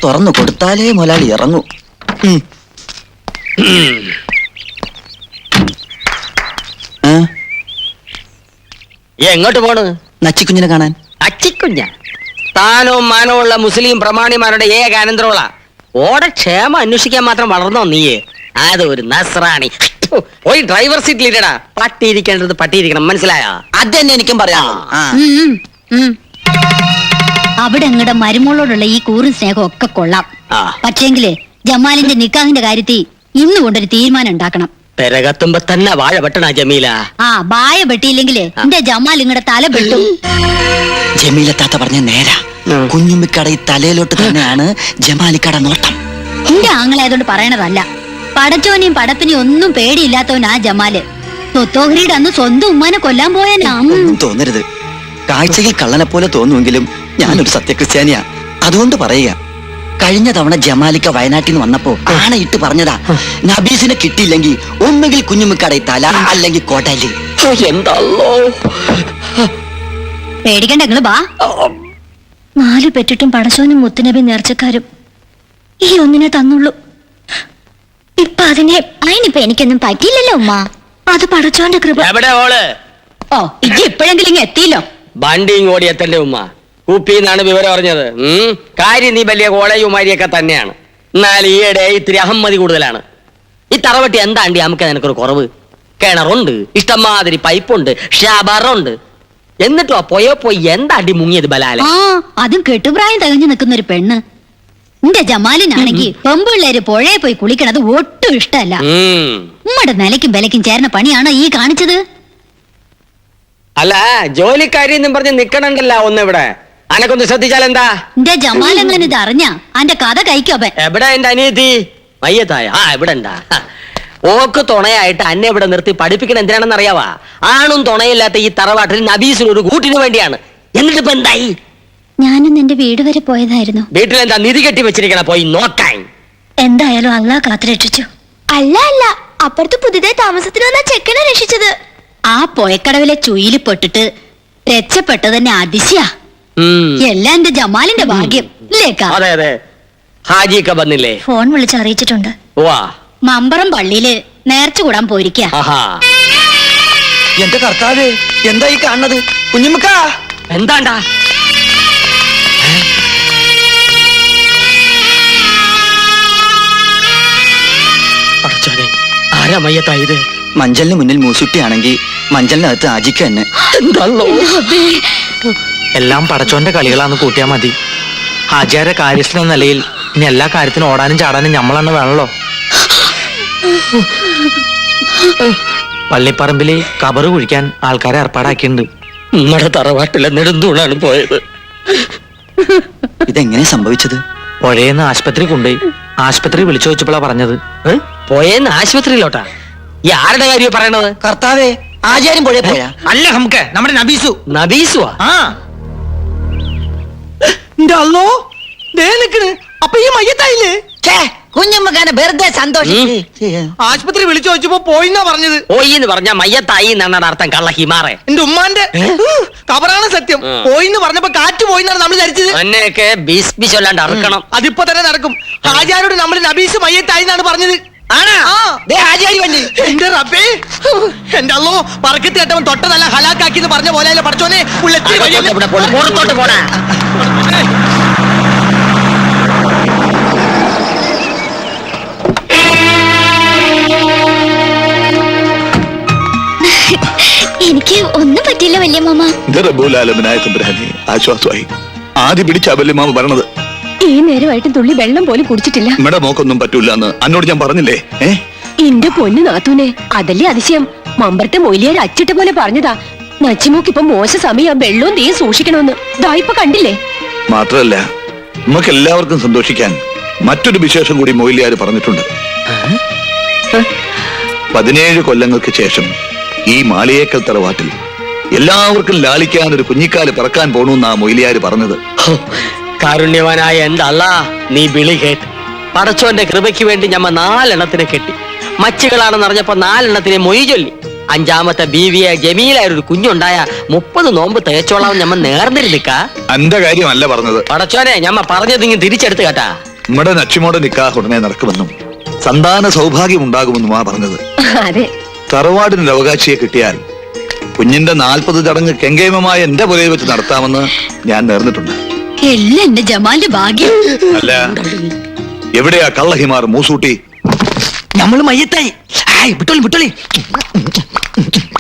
തുറന്നു കൊടുത്താലേ മുതലാളി ഇറങ്ങൂ. എങ്ങോട്ട് പോണ്? നച്ചിക്കുഞ്ഞിനെ കാണാൻ. അച്ചിക്കുഞ്ഞ താനവും മാനവുമുള്ള മുസ്ലിം പ്രമാണിമാരുടെ ഏക അനന്തരമുള്ള ഓടെ ക്ഷേമം അന്വേഷിക്കാൻ മാത്രം വളർന്നോ നീയെ? അത് ഒരു നസ്രാണി. പോയി ഡ്രൈവർ സീറ്റിൽ ഇടടാ. പട്ടിയിരിക്കേണ്ടത് പട്ടിയിരിക്കണം, മനസ്സിലായോ? അത് തന്നെ എനിക്കും പറയാം. അവിടെ അങ്ങടെ മരുമോളോടുള്ള ഈ കൂറും സ്നേഹം ഒക്കെ കൊള്ളാം. പക്ഷേങ്കില് ജമാലിന്റെ നിക്കാഹിന്റെ കാര്യത്തിൽ ഇന്ന് കൊണ്ടൊരു തീരുമാനം ഉണ്ടാക്കണം. പെരകത്തുമ്പോ തന്നെ വാഴ വെട്ടണ ജമീല. വായ വെട്ടിയില്ലെങ്കില് എന്റെ ജമാൽ ഇങ്ങടെ തല വെട്ടും. ജമീലത്താത്ത പറഞ്ഞ നേരാ. കുഞ്ഞുമ്മിക്കട ഈ തലയിലോട്ട് തന്നെയാണ് ജമാലിക്കട നോട്ടം. എന്റെ ആങ്ങളായതുകൊണ്ട് പറയണതല്ല. പടച്ചോനെയും പടപ്പിനെയും ഒന്നും പേടിയില്ലാത്തവനാ ജമാല്. സ്വത്തോഹരിയുടെ അന്ന് സ്വന്തം ഉമ്മാനെ കൊല്ലാൻ പോയനാ. ഒന്നും തോന്നരുത്. കാഴ്ചയിൽ കള്ളനെ പോലെ തോന്നുമെങ്കിലും ഞാനൊരു സത്യക്രിസ്ത്യാനിയാ. അതുകൊണ്ട് പറയുക, കഴിഞ്ഞ തവണ ജമാലിക്ക വയനാട്ടിൽ നിന്ന് വന്നപ്പോ ആണയിട്ട് പറഞ്ഞതാ, നബീസിനെ കിട്ടിയില്ലെങ്കിൽ ഒന്നുകിൽ കുഞ്ഞുമ്മിക്കട തല അല്ലെങ്കിൽ കോട്ടല്. പേടിക്കണ്ട, നിങ്ങള് ബാ. 4 പെറ്റിട്ടും പടച്ചോനും മുത്തുനബി നേർച്ചക്കാരും ഈ ഒന്നിനെ തന്നുള്ളൂ. ഇപ്പൊ അതിനിപ്പോ എനിക്കൊന്നും പറ്റിയില്ലല്ലോ ഉമ്മ. അത് പടച്ചോന്റെ കൃപ. ഇജ്ജ് ഇപ്പോഴെങ്കിലും ഇങ്ങ് എത്തിയില്ലോ. വണ്ടിയും ഓടി എത്തല്ലേ ഉമ്മ. കുപ്പിന്നാണ് വിവരം അറിഞ്ഞത്. കാര്യം നീ വലിയ കോളേജുമാരിയൊക്കെ തന്നെയാണ്. എന്നാൽ ഈയിടെ ഇത്തിരി അഹമ്മതി കൂടുതലാണ്. ഈ തറവട്ടി എന്താണ്ടി നമുക്ക് നിനക്കൊരു കുറവ്? കിണറുണ്ട്, ഇഷ്ടംമാതിരി പൈപ്പുണ്ട്, ഷാബറുണ്ട്. എന്നിട്ടോ പോയി എന്താണ്ടി മുങ്ങിയത് ബലാലെ? അതും കെട്ടുപ്രായം തികഞ്ഞു നിൽക്കുന്ന ഒരു പെണ്ണ്. എന്റെ ജമാലിനാണെങ്കിൽ പെമ്പിള്ളേര് പുഴയെ പോയി കുളിക്കണത് ഒട്ടും ഇഷ്ടമല്ല. ഉമ്മയുടെ നിലയ്ക്കും വിലയ്ക്കും ചേർന്ന പണിയാണോ ഈ കാണിച്ചത്? അല്ല, ജോലിക്കാരി എന്നും പറഞ്ഞ് നിക്കണണ്ടല്ല ഒന്നിവിടെ. അനക്കൊന്ന് ശ്രദ്ധിച്ചാൽ എന്താ? എന്റെ ജമാൽ എങ്ങനെ ഇത് അറിഞ്ഞ അന്റെ കഥ കഴിക്കോ? എവിടെ എന്റെ അനിയത്തി മയ്യത്തായ? ഇവിടെ ഉണ്ടാ. ഓക്ക് തുണയായിട്ട് അന്നെ ഇവിടെ നിർത്തി പഠിപ്പിക്കണ എന്തിനാണെന്ന് അറിയാവാ? ആണും തുണയില്ലാത്ത ഈ തറവാട്ടിൽ നബീസിന് ഒരു കൂട്ടിന് വേണ്ടിയാണ്. എന്നിട്ട് ഇപ്പൊ എന്തായി? ഞാനും എന്റെ വീട് വരെ പോയതായിരുന്നു. വീട്ടിലെന്താ നിധി കെട്ടി വെച്ചിരിക്കണ? പോയി നോക്കാൻ. എന്തായാലും അള്ളാ കാത്തു രക്ഷിച്ചു. അല്ല അപ്പുറത്ത് പുതിയതായി താമസത്തിന് വന്ന ചെക്കനെ രക്ഷിച്ചത്. ആ പോയക്കടവിലെ ചുയില് പെട്ടിട്ട് രക്ഷപ്പെട്ടത് തന്നെ അതിശയാ. എല്ലാം എന്റെ ജമാലിന്റെ ഭാഗ്യം. അതെ അതെ. ഹാജിക്ക വന്നില്ലേ? ഫോൺ വിളിച്ച് അറിയിച്ചിട്ടുണ്ട്. മമ്പറം പള്ളിയില് നേർച്ച കൂടാൻ പോയിരിക്കാ. എന്റെ കർത്താവേ, എന്താ ഈ കാണുന്നത്? കുഞ്ഞുമ്മക്ക എന്താണ്ടാ? ആരാ മയ്യത്തായത്? മഞ്ചലിന് മുന്നിൽ മൂസുട്ടിയാണെങ്കിൽ മഞ്ചലിനകത്ത് ആജിക്ക തന്നെ. എല്ലാം പടച്ചോന്റെ കളികളാന്ന് കൂട്ടിയാ മതി. ഹാജിയാരെ കാര്യസ്ഥൻ എന്ന നിലയിൽ ഇനി എല്ലാ കാര്യത്തിനും ഓടാനും ചാടാനും ഞമ്മളെന്നെ വേണല്ലോ. പള്ളിപ്പറമ്പില് കബറ് കുഴിക്കാൻ ആൾക്കാരെ ഏർപ്പാടാക്കിയിട്ടുണ്ട്. നമ്മുടെ തറവാട്ടിലെ നെടുന്തൂണാണ് പോയത്. ഇതെങ്ങനെ സംഭവിച്ചത്? പുഴയെന്ന് ആശുപത്രി കൊണ്ടുപോയി. ആശുപത്രി വിളിച്ചു ചോദിച്ചപ്പോഴാ പറഞ്ഞത്. പോയെന്ന് ആശുപത്രിയിലോട്ടാ? ഈ ആരുടെ കാര്യം പറയണത്? കർത്താവേ, ആചാര്യം പുഴയെ പോയാ? അല്ല, നമുക്ക് നമ്മുടെ നബീസു. നബീസുവാ? അപ്പൊ ഈ മയ്യത്തായില്ലേ? കുഞ്ഞമ്മക്കാനെ വെറുതെ സന്തോഷിച്ച് ആശുപത്രി വിളിച്ചു ചോദിച്ചപ്പോ പോയിന്നാ പറഞ്ഞത്. പോയിന്ന് പറഞ്ഞ മയ്യത്തായി എന്നാണ് അർത്ഥം. കള്ള ഹിമാറെ. എന്റെ ഉമ്മാന്റെ കബറാണ് സത്യം. പോയിന്ന് പറഞ്ഞപ്പോ കാറ്റ് പോയിന്നാണ് നമ്മൾ ധരിച്ചത്. എന്നൊക്കെ ബിസ്ബിശല്ലാണ്ട് അറക്കണം. അതിപ്പോ തന്നെ നടക്കും. ഹാജിയാരോട് നമ്മൾ നബീസ് മയ്യത്തായി എന്നാണ് പറഞ്ഞത്. എന്റെ റബ്ബേ, എന്റെ അല്ലോ പറക്കത്തി കേട്ടവൻ തൊട്ട നല്ല ഹലാക്കാക്കി എന്ന് പറഞ്ഞ പോലെ പഠിച്ചോനെ. പുറത്തോട്ട് പോടാ. എനിക്ക് ഒന്നും പറ്റില്ല വല്യമ്മ. ആശ്വാസമായി. ആദ്യം പിടിച്ച വല്യമ്മ പറഞ്ഞത്. ഈ നേരമായിട്ട് തുള്ളി വെള്ളം പോലും കുടിച്ചിട്ടില്ല. നമ്മുടെ മോക്കൊന്നും പറ്റൂല എന്ന് അന്നോട് ഞാൻ പറഞ്ഞില്ലേ? എന്റെ പൊന്നു നാത്തൂനെ, അതല്ലേ അതിശയം. മമ്പറത്തെ മൊയിലിയാർ അച്ചിട്ട പോലെ പറഞ്ഞതാ, നച്ചിമോക്ക് ഇപ്പൊ മോശ സമയം, വെള്ളവും തീയും സൂക്ഷിക്കണമെന്ന്. ഇപ്പൊ കണ്ടില്ലേ? മാത്രല്ല, നമുക്ക് എല്ലാവർക്കും സന്തോഷിക്കാൻ മറ്റൊരു വിശേഷം കൂടി മൊയിലിയാർ പറഞ്ഞിട്ടുണ്ട്. 17 കൊല്ലങ്ങൾക്ക് ശേഷം ഈ മാളിയേക്കൽ തറവാട്ടിൽ എല്ലാവർക്കും ലാളിക്കാൻ ഒരു കുഞ്ഞിക്കാല് പിറക്കാൻ പോണെന്നാ മൊയിലിയാർ പറഞ്ഞത്. കാരുണ്യവാനായ എന്റെ അല്ലാ, നീ വിളി കേട്ട് പടച്ചോന്റെ കൃപയ്ക്ക് വേണ്ടി ഞമ്മ 4 എണ്ണത്തിനെ കെട്ടി. മച്ചുകളാണെന്ന് അറിഞ്ഞപ്പോ 4 എണ്ണത്തിനെ മൊയ് ചൊല്ലി. 5ാമത്തെ ബീവിയെ ജമീലായ ഒരു കുഞ്ഞുണ്ടായ 30 നോമ്പ് തേച്ചോളാം ഞമ്മ നേർന്നിരുന്നിക്ക. എന്റെ കാര്യമല്ല പറഞ്ഞത്. പടച്ചോനെ, ഞമ്മ പറഞ്ഞത് ഇങ്ങനെ തിരിച്ചെടുത്ത് കേട്ടാ. നമ്മുടെ നച്ചിമോടെ നിക്കാഹ് ഉടനെ നടക്കുമെന്നും സന്താന സൗഭാഗ്യം ഉണ്ടാകുമെന്നുമാ പറഞ്ഞത്. അതെ. തറവാടിനൊരു അവകാശിയെ കിട്ടിയാൽ കുഞ്ഞിന്റെ 40 ചടങ്ങ് കെങ്കേമമായ എന്റെ പുരയിൽ വെച്ച് നടത്താമെന്ന് ഞാൻ നേർന്നിട്ടുണ്ട്. എല്ലാം എന്റെ ജമാലിന്റെ ഭാഗ്യം. അല്ല, എവിടെയാ കള്ളഹിമാർ മൂസൂട്ടി? നമ്മള് മയ്യത്തായി. വിട്ടോളി